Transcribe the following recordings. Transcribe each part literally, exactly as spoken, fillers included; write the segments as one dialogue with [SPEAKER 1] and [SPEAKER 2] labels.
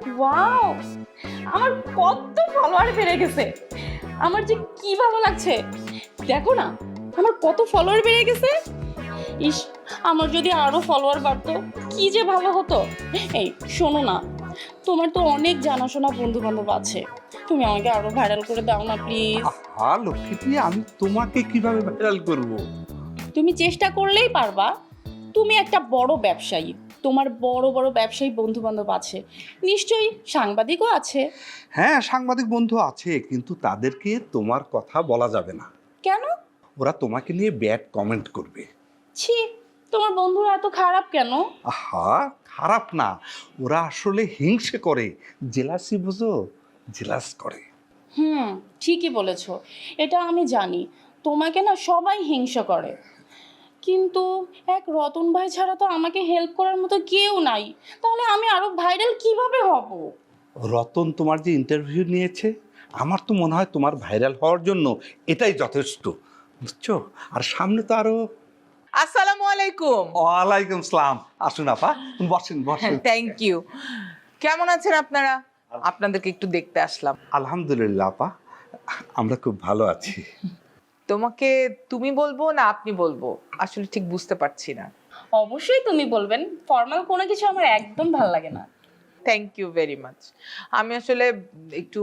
[SPEAKER 1] Wow, আমার কত follower বেড়ে গেছে। আমার যে কি ভালো লাগছে, দেখো না আমার কত ফলোয়ার বেড়ে গেছে। ইস, আমার যদি আরো ফলোয়ার বাড়তো কি যে ভালো হতো। এই শোনো না, তোমার তো অনেক জানাশোনা বন্ধু বান্ধব আছে, তুমি আমাকে আরো ভাইরাল করে দাও না প্লিজ।
[SPEAKER 2] আহা লক্ষ্মীটি, আমি তোমাকে কিভাবে ভাইরাল করব?
[SPEAKER 1] তুমি চেষ্টা করলেই পারবা। তুমি একটা বড় ব্যবসায়ী, তোমার বড় বড় ব্যবসায়ী বন্ধু বান্ধব আছে, নিশ্চয়ই সাংবাদিকও আছে।
[SPEAKER 2] হ্যাঁ, সাংবাদিক বন্ধু আছে, কিন্তু তাদেরকে তোমার কথা বলা যাবে না।
[SPEAKER 1] কেন?
[SPEAKER 2] ওরা তোমাকে নিয়ে ব্যাড কমেন্ট করবে।
[SPEAKER 1] ছি, তোমার বন্ধুরা এত খারাপ কেন?
[SPEAKER 2] আহা, খারাপ না, ওরা আসলে হিংসে করে, জেলাসি বুঝো, জেলাস করে।
[SPEAKER 1] হুম, ঠিকই বলেছো, এটা আমি জানি। তোমাকে না সবাই হিংসা করে, কিন্তু এক রতন ভাই ছাড়া তো আমাকে হেল্প করার মতো কেউ নাই। তাহলে আমি আরো ভাইরাল কিভাবে হব?
[SPEAKER 2] রতন তোমার যে ইন্টারভিউ নিয়েছে, আমার তো মনে হয় তোমার ভাইরাল হওয়ার জন্য এটাই যথেষ্ট, বুঝছো? আর সামনে তো আরো।
[SPEAKER 3] আসসালামু আলাইকুম।
[SPEAKER 2] ওয়ালাইকুম সালাম। আসুন আপা, বসেন বসেন।
[SPEAKER 3] Thank you. কেমন আছেন আপনারা? আপনাদেরকে একটু দেখতে আসলাম।
[SPEAKER 2] আলহামদুলিল্লাহ আপা, আমরা খুব ভালো আছি।
[SPEAKER 3] তোমাকে তুমি বলবো না আপনি বলবো, আসলে ঠিক বুঝতে পারছি না।
[SPEAKER 1] অবশ্যই তুমি বলবেন, ফর্মাল কোনো কিছু আমার একদম ভালো লাগে না।
[SPEAKER 3] Thank you very much. আমি আসলে একটু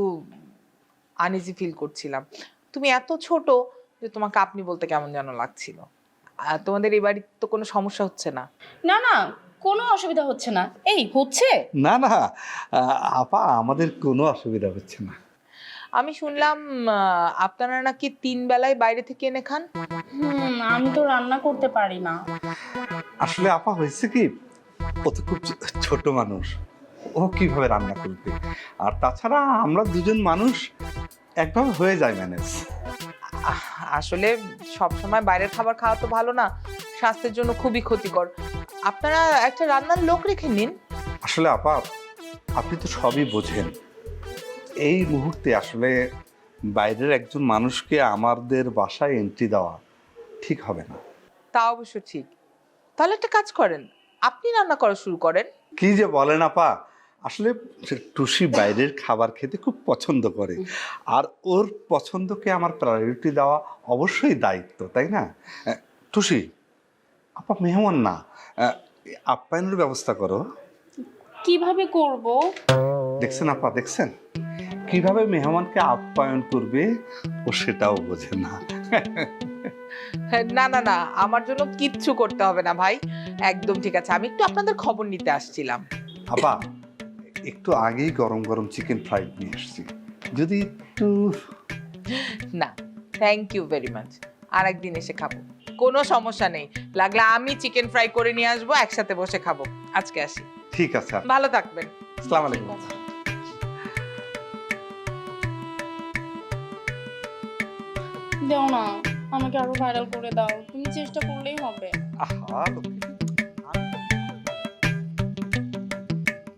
[SPEAKER 3] আনইজি ফিল করছিলাম। তুমি এত ছোট যে তোমাকে আপনি বলতে কেমন যেন লাগছিল। আর তোমাদের এই বাড়িতে তো কোনো সমস্যা হচ্ছে না?
[SPEAKER 1] না না, কোনো অসুবিধা হচ্ছে না। এই হচ্ছে?
[SPEAKER 2] না না আহ, আপা, আমাদের কোনো অসুবিধা হচ্ছে না।
[SPEAKER 3] আমি শুনলাম আহ, আপনারা নাকি তিন বেলায় বাইরে থেকে এনে খান।
[SPEAKER 1] হুম, আমি তো রান্না করতে পারি না।
[SPEAKER 2] আসলে আপা হয়েছে কি, ও তো খুব ছোট মানুষ, ও কিভাবে রান্না করবে? আর তাছাড়া আমরা দুজন মানুষ, একভাবে হয়ে যায় ম্যানেজ।
[SPEAKER 3] আহ, আসলে সব সময় বাইরের খাবার খাওয়া তো ভালো না, স্বাস্থ্যের জন্য খুবই ক্ষতিকর। আপনারা একটা রান্নার লোক রেখে নিন।
[SPEAKER 2] আসলে আপা, আপনি তো সবই বোঝেন, এই মুহূর্তে আসলে বাইরের একজন মানুষকে আমাদের বাসায় এন্ট্রি দেওয়া ঠিক হবে না।
[SPEAKER 3] তা অবশ্য ঠিক। তাহলে একটা কাজ করেন, আপনি রান্না করা শুরু করেন।
[SPEAKER 2] কি যে বলেন আপা, আসলে টুসি বাইরের খাবার খেতে খুব পছন্দ করে, আর ওর পছন্দকে আমার প্রায়োরিটি দেওয়া অবশ্যই দায়িত্ব, তাই না? আহ, টুসি, আপা মেহমান না, আহ, আপ্যায়নের ব্যবস্থা করো।
[SPEAKER 1] কিভাবে করব?
[SPEAKER 2] দেখছেন আপা, দেখছেন কিভাবে মেহমানকে আপ্যায়ন করবে, ও সেটাও বোঝে না।
[SPEAKER 3] না না না, আমার জন্য কিচ্ছু করতে হবে না ভাই, একদম ঠিক আছে। আমি একটু আপনাদের খবর নিতে আসছিলাম।
[SPEAKER 2] আপা, একটু আগেই গরম গরম চিকেন ফ্রাইড নিয়ে এসেছি, যদি একটু।
[SPEAKER 3] না, থ্যাংক ইউ ভেরি মাচ। আর একদিন এসে খাবো, কোনো সমস্যা নেই। লাগলে আমি চিকেন ফ্রাই করে নিয়ে আসবো, একসাথে বসে খাবো। আজকে আসি।
[SPEAKER 2] ঠিক আছে,
[SPEAKER 3] ভালো থাকবেন।
[SPEAKER 2] আসসালামু আলাইকুম।
[SPEAKER 1] দাও না, আমাকে আরো ভাইরাল করে দাও, তুমি চেষ্টা করলেই হবে।
[SPEAKER 2] আহা লক্ষ্মী,